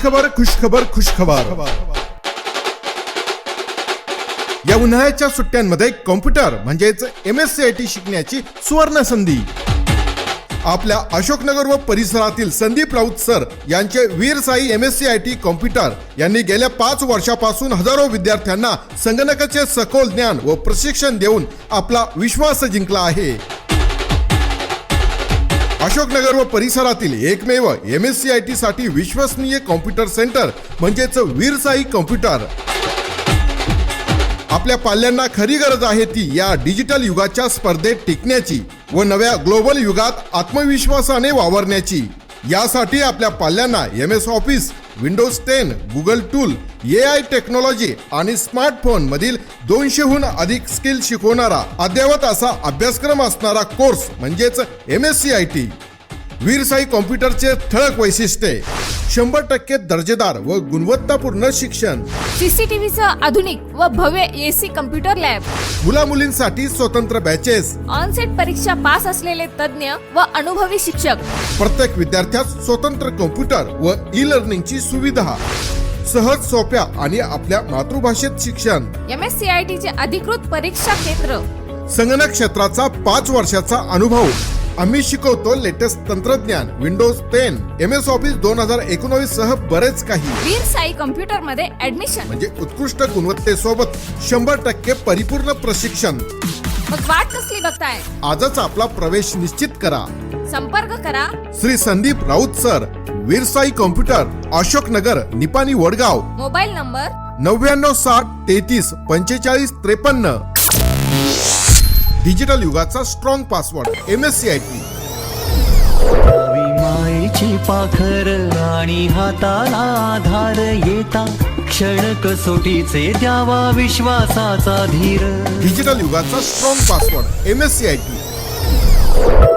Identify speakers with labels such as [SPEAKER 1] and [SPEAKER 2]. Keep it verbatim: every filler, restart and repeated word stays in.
[SPEAKER 1] खुशखबर खुशखबर खुशखबर या उन्हाळ्याच्या सुट्ट्यांमध्ये कॉम्प्युटर म्हणजेच M S C I T शिकण्याची सुवर्ण संधी। आपल्या अशोकनगर व परिसरातील संदीप राऊत सर यांचे Veer Sai M S C I T computer यांनी गेल्या पाच वर्षापासून हजारो विद्यार्थ्यांना संगणकाचे सखोल ज्ञान व प्रशिक्षण देऊन आपला विश्वास जिंकला आहे। अशोकनगर व परिसरातील एकमेव M S C I T साठी विश्वसनीय कॉम्प्युटर सेंटर म्हणजेच वीर साई कॉम्प्युटर। आपल्या पाल्यांना खरी गरज आहे ती या डिजिटल युगाच्या स्पर्धेत टिकण्याची व नव्या ग्लोबल युगात आत्मविश्वासाने वावरण्याची। यासाठी आपल्या पाल्यांना M S office, Windows ten, Google tool, A I technology आणि स्मार्टफोन मधील दोनशेहून अधिक स्किल शिकवणारा अद्ययावत असा अभ्यासक्रम असणारा कोर्स म्हणजेच M S C I T. Veer Sai कॉम्प्युटरचे ठळक वैशिष्ट्ये: शंभर टक्के दर्जेदार व गुणवत्तापूर्ण शिक्षण,
[SPEAKER 2] सीसीटीव्हीचं आधुनिक व भव्य एसी कम्प्युटर लॅब,
[SPEAKER 1] मुला मुलींसाठी स्वतंत्र बॅचेस,
[SPEAKER 2] ऑनसेट परीक्षा पास असलेले तज्ञ व अनुभवी शिक्षक,
[SPEAKER 1] प्रत्येक विद्यार्थ्यास स्वतंत्र कॉम्प्युटर व ई लर्निंगची सुविधा, सहज सोप्या आणि आपल्या मातृभाषेत शिक्षण,
[SPEAKER 2] M S C I T चे अधिकृत परीक्षा केंद्र,
[SPEAKER 1] संगणक क्षेत्राचा पाच वर्षाचा अनुभव। आम्ही शिकवतो लेटेस्ट तंत्रज्ञान, Windows ten, M S office दोन हजार एकोणवीस सह बरेच काही।
[SPEAKER 2] वीर साई कम्प्युटर मध्ये ऍडमिशन
[SPEAKER 1] म्हणजे उत्कृष्ट गुणवत्तेसोबत शंभर टक्के परिपूर्ण प्रशिक्षण।
[SPEAKER 2] मग वाट कसली बघताय?
[SPEAKER 1] आजच आपला प्रवेश निश्चित करा।
[SPEAKER 2] संपर्क करा
[SPEAKER 1] Shri Sandeep Raut sir, Veer Sai computer, Ashoknagar, Nipani, Vadgaon.
[SPEAKER 2] Mobile number
[SPEAKER 1] नव्याण्णव साठ तेहतीस पंचेचाळीस त्रेपन्न। डिजिटल युगाचा strong password M S C I T.
[SPEAKER 3] मायेची पाखर आणि हाताला आधार येता क्षण कसोटीचे द्यावा विश्वासाचा धीर।
[SPEAKER 1] डिजिटल युगाचा strong password M S C I T.